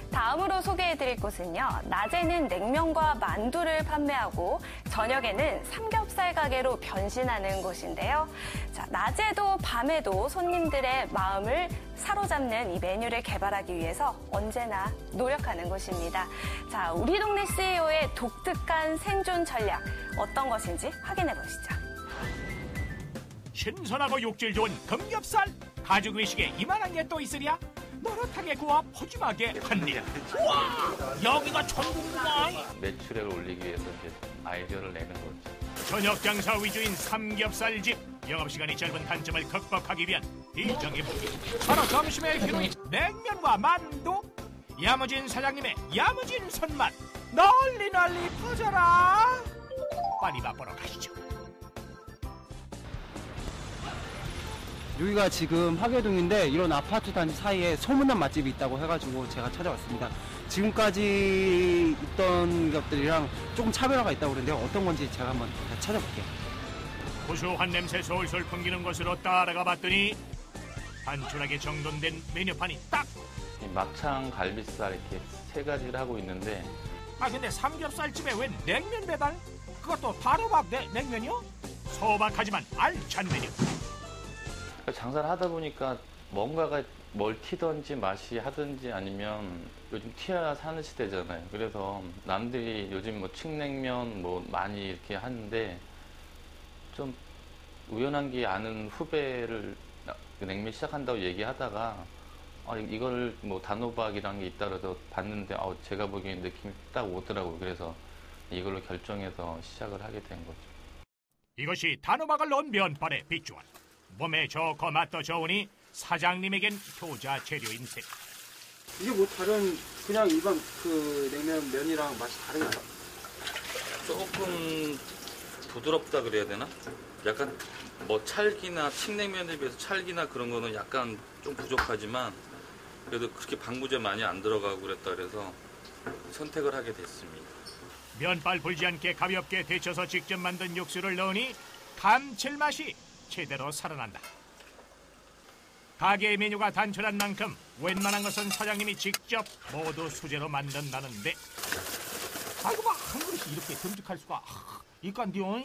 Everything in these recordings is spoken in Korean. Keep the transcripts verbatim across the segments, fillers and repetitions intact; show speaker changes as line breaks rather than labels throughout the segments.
다음으로 소개해드릴 곳은요. 낮에는 냉면과 만두를 판매하고 저녁에는 삼겹살 가게로 변신하는 곳인데요. 자, 낮에도 밤에도 손님들의 마음을 사로잡는 이 메뉴를 개발하기 위해서 언제나 노력하는 곳입니다. 자, 우리 동네 씨이오의 독특한 생존 전략 어떤 것인지 확인해 보시죠.
신선하고 육질 좋은 금겹살 가죽 외식에 이만한 게 또 있으랴? 노릇하게 구워 푸짐하게 판일. 우와, 여기가 천국구만.
매출액을 올리기 위해서 이제 아이디어를 내는 거죠.
저녁 장사 위주인 삼겹살집. 영업시간이 짧은 단점을 극복하기 위한 일정의 무기. 바로 점심의 히로인 냉면과 만두. 야무진 사장님의 야무진 손맛. 널리 널리 퍼져라. 빨리 맛보러 가시죠.
여기가 지금 하계동인데 이런 아파트 단지 사이에 소문난 맛집이 있다고 해가지고 제가 찾아왔습니다. 지금까지 있던 것들이랑 조금 차별화가 있다고 그러는데 어떤 건지 제가 한번 찾아볼게요.
고소한 냄새 솔솔 풍기는 곳으로 따라가 봤더니 단순하게 정돈된 메뉴판이 딱!
막창, 갈비살 이렇게 세 가지를 하고 있는데
아 근데 삼겹살집에 웬 냉면 배달? 그것도 바로박 냉면이요? 소박하지만 알찬 메뉴.
장사를 하다 보니까 뭔가가 뭘 튀든지 맛이 하든지 아니면 요즘 튀어야 사는 시대잖아요. 그래서 남들이 요즘 뭐 칡냉면 뭐 많이 이렇게 하는데 좀 우연한 게 아는 후배를 냉면 시작한다고 얘기하다가 아, 이걸 뭐 단호박이라는 게 있다 그래서 봤는데 아, 제가 보기엔 느낌이 딱 오더라고요. 그래서 이걸로 결정해서 시작을 하게 된 거죠.
이것이 단호박을 넣은 면발의 비주얼. 몸에 좋고 맛도 좋으니 사장님에겐 효자 재료인 셈.
이게 뭐 다른 그냥 일반 그 냉면 면이랑 맛이 다른가요?
조금 부드럽다 그래야 되나? 약간 뭐 찰기나 칡냉면에 비해서 찰기나 그런 거는 약간 좀 부족하지만 그래도 그렇게 방부제 많이 안 들어가고 그랬다 그래서 선택을 하게 됐습니다.
면발 불지 않게 가볍게 데쳐서 직접 만든 육수를 넣으니 감칠맛이 제대로 살아난다. 가게의 메뉴가 단촐한 만큼 웬만한 것은 사장님이 직접 모두 수제로 만든다는데 아이고 막 한 그릇이 이렇게 듬직할 수가 아, 있간디요?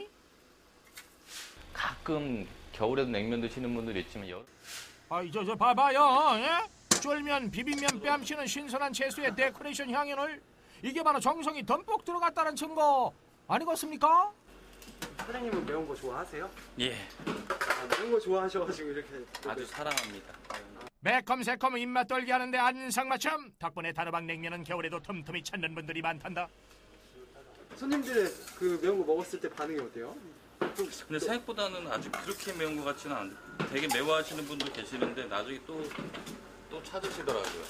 가끔 겨울에도 냉면 드시는 분들 있지만 여...
아이 저 저 봐봐요. 예? 쫄면, 비빔면 뺨치는 신선한 채소의 데코레이션 향연을 이게 바로 정성이 듬뿍 들어갔다는 증거 아니겠습니까?
사장님은 매운 거 좋아하세요?
예.
아, 매운 거 좋아하셔가지고 이렇게
아주 사랑합니다.
매콤 새콤 입맛 돌게 하는데 안상맞춤. 덕분에 단호박 냉면은 겨울에도 틈틈이 찾는 분들이 많단다.
손님들의 그 매운 거 먹었을 때 반응이 어때요?
근데 생각보다는 아주 그렇게 매운 것 같지는 않은데 되게 매워하시는 분도 계시는데 나중에 또, 또 찾으시더라고요.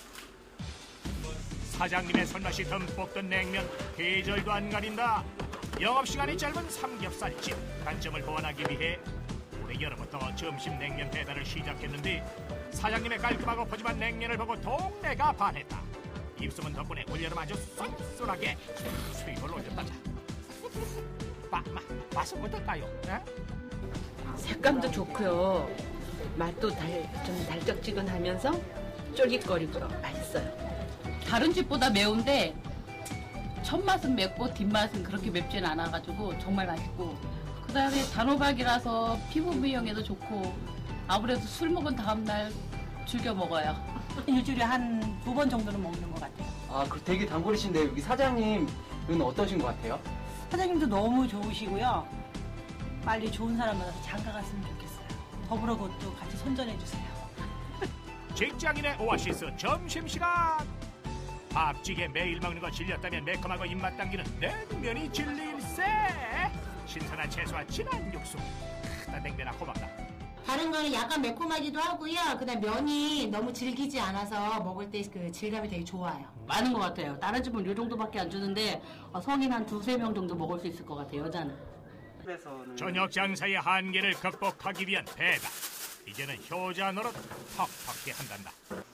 사장님의 손맛이 듬뿍 든 냉면 계절도 안 가린다. 영업시간이 짧은 삼겹살집 단점을 보완하기 위해 올해 여름부터 점심 냉면 배달을 시작했는데 사장님의 깔끔하고 푸짐한 냉면을 보고 동네가 반했다. 입소문 덕분에 올여름 아주 쏠쏠하게 수익을 올렸단다. 마, 마, 맛은 어떨까요? 에?
색감도 좋고요. 맛도 달, 좀 달짝지근하면서 쫄깃거리고요. 맛있어요.
다른 집보다 매운데 첫 맛은 맵고 뒷맛은 그렇게 맵진 않아가지고 정말 맛있고 그 다음에 단호박이라서 피부 미용에도 좋고 아무래도 술 먹은 다음날 즐겨 먹어요.
일주일에 한 두 번 정도는 먹는 것 같아요.
아, 그 되게 단골이신데 여기 사장님은 어떠신 것 같아요?
사장님도 너무 좋으시고요. 빨리 좋은 사람 만나서 장가 갔으면 좋겠어요. 더불어 그것도 같이 손전해 주세요.
직장인의 오아시스 점심시간. 밥찌개 매일 먹는 거 질렸다면 매콤하고 입맛 당기는 냉면이 질릴세. 신선한 채소와 진한 육수. 크다 냉면아 고맙다.
다른 거는 약간 매콤하기도 하고요. 그다음 면이 너무 질기지 않아서 먹을 때 그 질감이 되게 좋아요.
많은 것 같아요. 다른 집은 이 정도밖에 안 주는데 성인 한 두세 명 정도 먹을 수 있을 것 같아요. 여자는.
저녁 장사의 한계를 극복하기 위한 배달. 이제는 효자 노릇 턱턱히 한단다.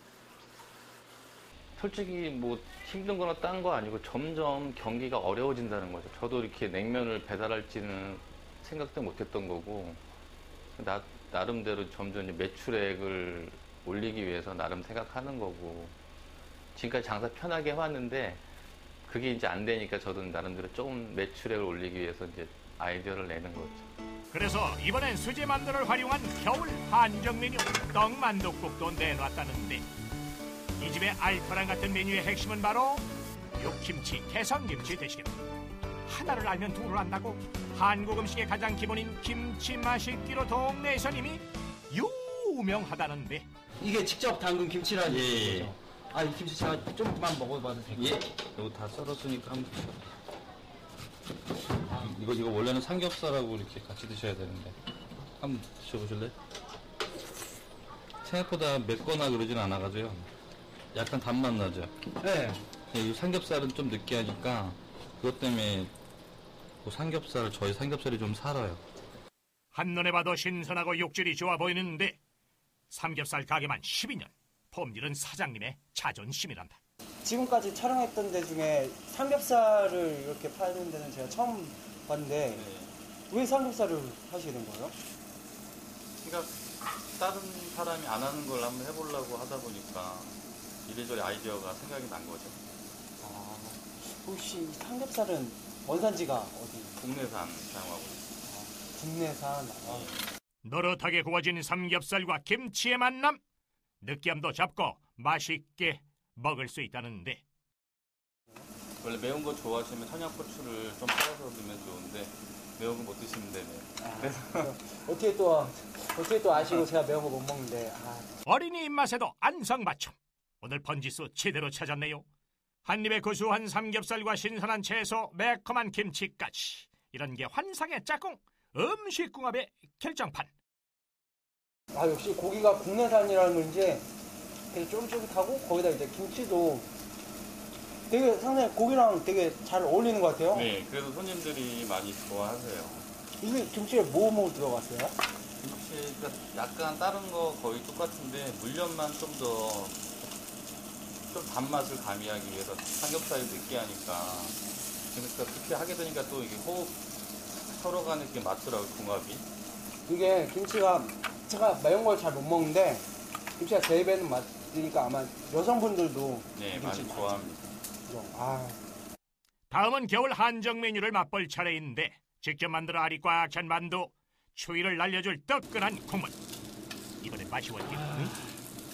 솔직히 뭐 힘든 거나 딴 거 아니고 점점 경기가 어려워진다는 거죠. 저도 이렇게 냉면을 배달할지는 생각도 못했던 거고 나, 나름대로 점점 매출액을 올리기 위해서 나름 생각하는 거고 지금까지 장사 편하게 해왔는데 그게 이제 안 되니까 저도 나름대로 조금 매출액을 올리기 위해서 이제 아이디어를 내는 거죠.
그래서 이번엔 수제 만두를 활용한 겨울 한정 메뉴 떡만둣국도 내놨다는데 이 집의 알토란 같은 메뉴의 핵심은 바로 육김치, 개성김치 대신에 하나를 알면 둘을 안다고 한국 음식의 가장 기본인 김치 맛있기로 동네에선 이미 유명하다는데
이게 직접 담근 김치라는
예, 예.
거죠? 아, 이 김치 제가 좀만 먹어봐도 될까요?
예. 이거 다 썰었으니까 한번 드셔. 이거 이거 원래는 삼겹살하고 이렇게 같이 드셔야 되는데 한번 드셔보실래요? 생각보다 맵거나 그러진 않아가지고요. 약간 단맛 나죠.
네.
이 삼겹살은 좀 느끼하니까 그것 때문에 그 삼겹살 저희 삼겹살이 좀 살아요.
한눈에 봐도 신선하고 육질이 좋아 보이는데 삼겹살 가게만 십이 년, 품질은 사장님의 자존심이란다.
지금까지 촬영했던 데 중에 삼겹살을 이렇게 파는 데는 제가 처음 봤는데 왜 삼겹살을 하시게 된 거예요?
그러니까 다른 사람이 안 하는 걸 한번 해보려고 하다 보니까 이래저래 아이디어가 생각이 난 거죠.
아, 혹시 이 삼겹살은 원산지가 어디?
국내산 사용하고 있어요.
국내산. 아.
노릇하게 구워진 삼겹살과 김치의 만남, 느끼함도 잡고 맛있게 먹을 수 있다는데
원래 매운 거 좋아하시면 청양고추를 좀 뿌려서 넣으면 좋은데 매운 거 못 드시면 되네요.
아, 어떻게 또 어떻게 또 아시고 제가 매운 거 못 먹는데. 아.
어린이 입맛에도 안성맞춤. 오늘 번지수 제대로 찾았네요. 한 입에 고소한 삼겹살과 신선한 채소, 매콤한 김치까지. 이런 게 환상의 짝꿍, 음식궁합의 결정판.
아, 역시 고기가 국내산이라는 건지 되게 쫄깃쫄깃하고 거기다 이제 김치도 되게 상당히 고기랑 되게 잘 어울리는 것 같아요.
네, 그래서 손님들이 많이 좋아하세요.
이게 김치에 뭐 뭐 들어갔어요?
김치가 약간 다른 거 거의 똑같은데 물엿만 좀 더 좀 단맛을 가미하기 위해서 삼겹살이 느끼하니까 그러니까 그렇게 하게 되니까 또 이게 호흡 서로 간에 이렇게 맞더라고요, 궁합이.
이게 김치가 제가 매운 걸 잘 못 먹는데 김치가 제 입에는 맞으니까 아마 여성분들도
네,
김치
많이 좋아합니다.
아.
다음은 겨울 한정 메뉴를 맛볼 차례인데 직접 만들어 알이 꽉 찬 만두, 추위를 날려줄 뜨끈한 국물. 이번엔 맛이 어때? 응?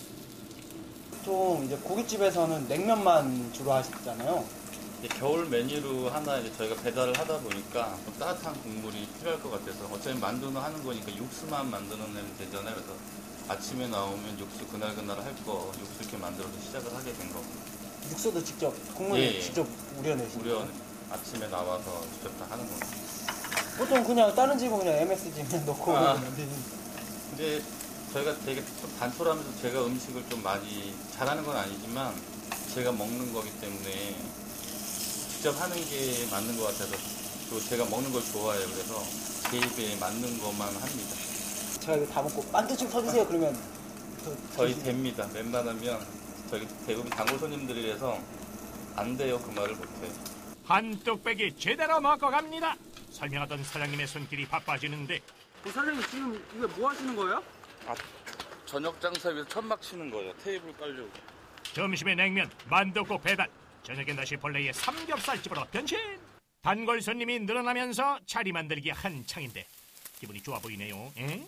보통 이제 고깃집에서는 냉면만 주로 하시잖아요.
겨울 메뉴로 하나 이제 저희가 배달을 하다 보니까 좀 따뜻한 국물이 필요할 것 같아서 어차피 만두는 하는 거니까 육수만 만들어내면 되잖아요. 그래서 아침에 나오면 육수 그날그날 할 거 육수 이렇게 만들어서 시작을 하게 된 거고.
육수도 직접 국물을
예, 예.
직접 우려내시는
우려
거예요?
아침에 나와서 직접 다 하는 겁니다.
보통 그냥 다른 집은 그냥 엠에스지에 넣고
아.
만드는.
근데 저희가 되게 좀 단촐하면서 제가 음식을 좀 많이 잘하는 건 아니지만 제가 먹는 거기 때문에 직접 하는 게 맞는 것 같아서 또 제가 먹는 걸 좋아해요. 그래서 제 입에 맞는 것만 합니다.
제가 이거 다 먹고 만두 좀 서주세요 그러면
저희 됩니다. 웬만하면 저희 대부분 단골 손님들이라서 안 돼요 그 말을 못해요.
한 뚝배기 제대로 먹고 갑니다. 설명하던 사장님의 손길이 바빠지는데
사장님 지금 이거 뭐 하시는 거예요?
아, 저녁 장사 위해서 천막 치는 거예요. 테이블 깔려고.
점심에 냉면, 만둣국 배달, 저녁엔 다시 본래의 삼겹살집으로 변신. 단골 손님이 늘어나면서 자리 만들기 한창인데 기분이 좋아 보이네요. 에?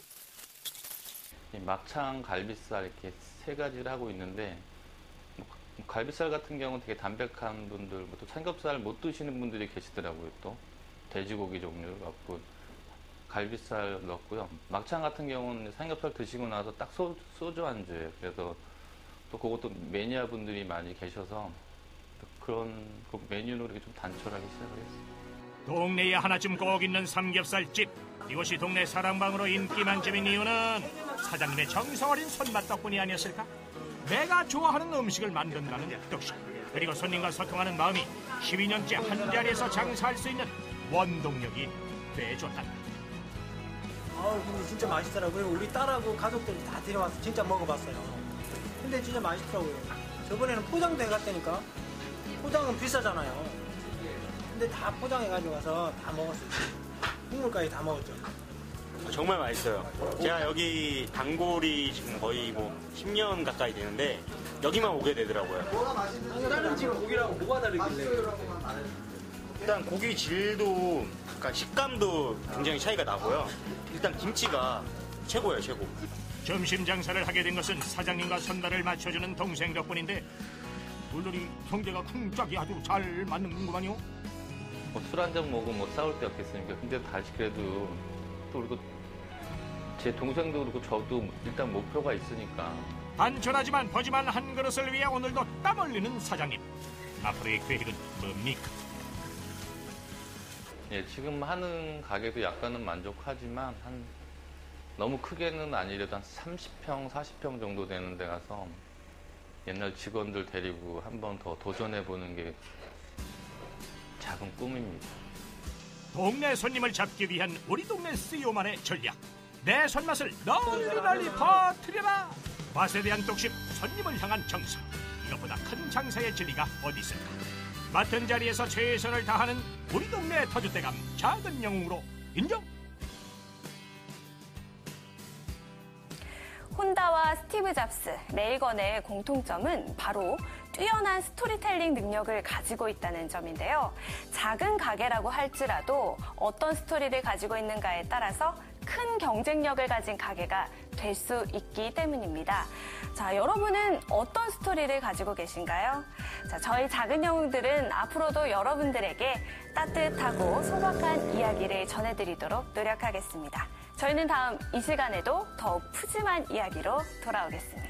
막창, 갈비살 이렇게 세 가지를 하고 있는데 뭐 갈비살 같은 경우는 되게 담백한 분들, 또 삼겹살 못 드시는 분들이 계시더라고요. 또 돼지고기 종류 갖고 갈비살 넣었고요. 막창 같은 경우는 삼겹살 드시고 나서 딱 소, 소주 안주예요. 그래서 또 그것도 매니아 분들이 많이 계셔서 그런 그 메뉴로 이렇게 좀 단촐하게 시작을 했어요.
동네에 하나쯤 꼭 있는 삼겹살집. 이곳이 동네 사랑방으로 인기 만점인 이유는 사장님의 정성 어린 손맛 덕분이 아니었을까? 내가 좋아하는 음식을 만든다는 뜻, 그리고 손님과 소통하는 마음이 십이 년째 한 자리에서 장사할 수 있는 원동력이 돼줬다.
아 근데 진짜 맛있더라고요. 우리 딸하고 가족들 다 데려와서 진짜 먹어봤어요. 근데 진짜 맛있더라고요. 저번에는 포장도 해갔다니까. 포장은 비싸잖아요. 근데 다 포장해가지고 가서 다 먹었어요. 국물까지 다 먹었죠.
정말 맛있어요. 제가 여기 단골이 지금 거의 뭐 십 년 가까이 되는데 여기만 오게 되더라고요.
다른 집 고기랑 뭐가 다르길래?
일단 고기 질도, 약간 식감도 굉장히 차이가 나고요. 일단 김치가 최고예요, 최고.
점심 장사를 하게 된 것은 사장님과 손발을 맞춰주는 동생 덕분인데 물놀이 성재가 쿵짝이 아주 잘 맞는구만요.
뭐 술 한 잔 먹으면 뭐 싸울 데 없겠습니까? 근데 다시 그래도 또 그리고 제 동생도 그렇고 저도 일단 목표가 있으니까.
단촐하지만 버지만 한 그릇을 위해 오늘도 땀 흘리는 사장님. 앞으로의 계획은 뭡니까?
예, 지금 하는 가게도 약간은 만족하지만 한 너무 크게는 아니래도 한 삼십 평, 사십 평 정도 되는 데 가서 옛날 직원들 데리고 한 번 더 도전해보는 게 작은 꿈입니다.
동네 손님을 잡기 위한 우리 동네 씨이오만의 전략. 내 손맛을 널리 널리 퍼뜨려라. 맛에 대한 독심, 손님을 향한 정성. 이것보다 큰 장사의 진리가 어디 있을까. 맡은 자리에서 최선을 다하는 우리 동네 터줏대감 작은 영웅으로 인정.
혼다와 스티브 잡스, 레이건의 공통점은 바로 뛰어난 스토리텔링 능력을 가지고 있다는 점인데요. 작은 가게라고 할지라도 어떤 스토리를 가지고 있는가에 따라서 큰 경쟁력을 가진 가게가 될 수 있기 때문입니다. 자, 여러분은 어떤 스토리를 가지고 계신가요? 자, 저희 작은 영웅들은 앞으로도 여러분들에게 따뜻하고 소박한 이야기를 전해드리도록 노력하겠습니다. 저희는 다음 이 시간에도 더욱 푸짐한 이야기로 돌아오겠습니다.